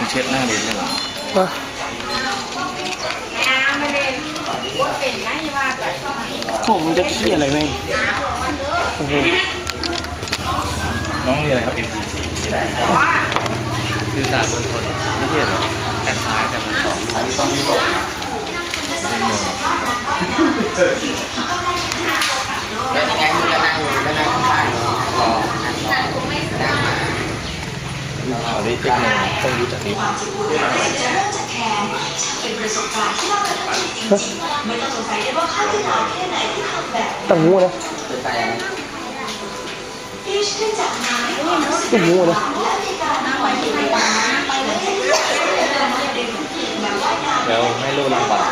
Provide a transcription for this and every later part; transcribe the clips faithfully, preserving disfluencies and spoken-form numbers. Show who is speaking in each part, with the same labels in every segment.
Speaker 1: เช็ดหน้าเรียนได้หรอ
Speaker 2: ผมจะขี้อะไรไหมโอ้โห
Speaker 1: น้องเรียนอะไรครับ เอ็ม ซี ซี คือศาสตร์บนทนไม่ใช่หรอแต่ซ้ายแต่มันสองต้องมีบอกนะ
Speaker 3: แล้วยังไงมึงก็นั่งอยู่ก็นั่งข้างๆรอ
Speaker 1: เอาได้เทคโนโลยีต้องรู้จักนี้
Speaker 2: ตั้งงูนะตั้งงูนะ
Speaker 1: แล้วไม่รู้ลำบาก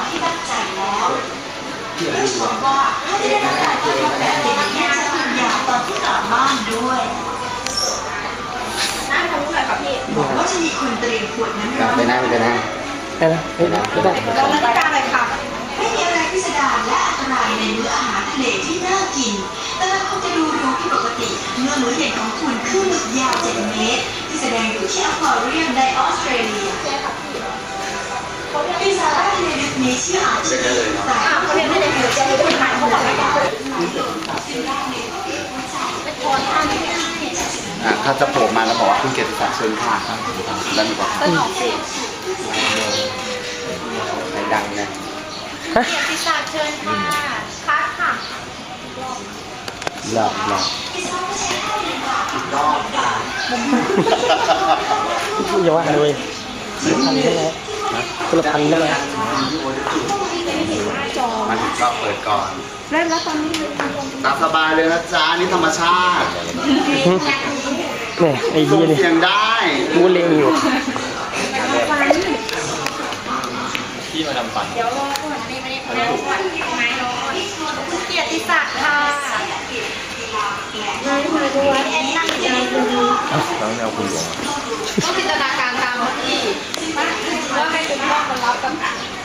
Speaker 3: ว่าจะมีคนเตรียมขวดน้ำไปนั่งไปนั่ง
Speaker 2: ไปนะไปนะไปนะ
Speaker 3: เราเล่นการอะไรค่ะไม่มีอะไรพิสดารและอันตรายในมื้ออาหารทะเลที่น่ากินแต่ละคนจะดูรู้ผิดปกติเมื่อมื้อเด็ดของคุณคือหมึกยาวเจ็ดเมตรที่แสดงอยู่ที่อควาเรียมในออสเตรเลียพิซซ่าทะเลลึกนี้ชื่ออาจจะแต่เขาเรียกไม่ได้เกิดจากคนไทยเขาบอกไม่ได้ถ้าจะโผล่มาแล้วบอกว่าคุณเกียรติศักดิ์เชิญค่ะแล้วมีบอกใครดังนะ
Speaker 2: ฮะ
Speaker 4: เกียรติศักดิ์เชิญค่ะคัดค่ะ
Speaker 2: หลอกหลอกอย่าว่าเลยพันได้ไหมคนละพันได้ไหม
Speaker 3: มาถึงก็เปิดก่อน
Speaker 4: เริ่มแล้วตอนนี้
Speaker 3: ตามสบายเลยนะจ๊ะนี่ธรรมชาติ
Speaker 2: เนี่ยไอ้ยี่นี่
Speaker 3: เสียงได้
Speaker 2: กูเล็งอยู่
Speaker 1: ที่มาทำฟัน
Speaker 4: เดี๋ยวรอก่อนนี่ไม่ได้ไม่ได้ก่อนไม้รอเกียรติศักดิ์ค่ะนายมาดูว่าแอนนั่งอยู่ในมือ
Speaker 1: น้องแนวคุณหลวง
Speaker 4: ต้องจินตนาการตามที่ว่าให้คุณพ่อมารับกับ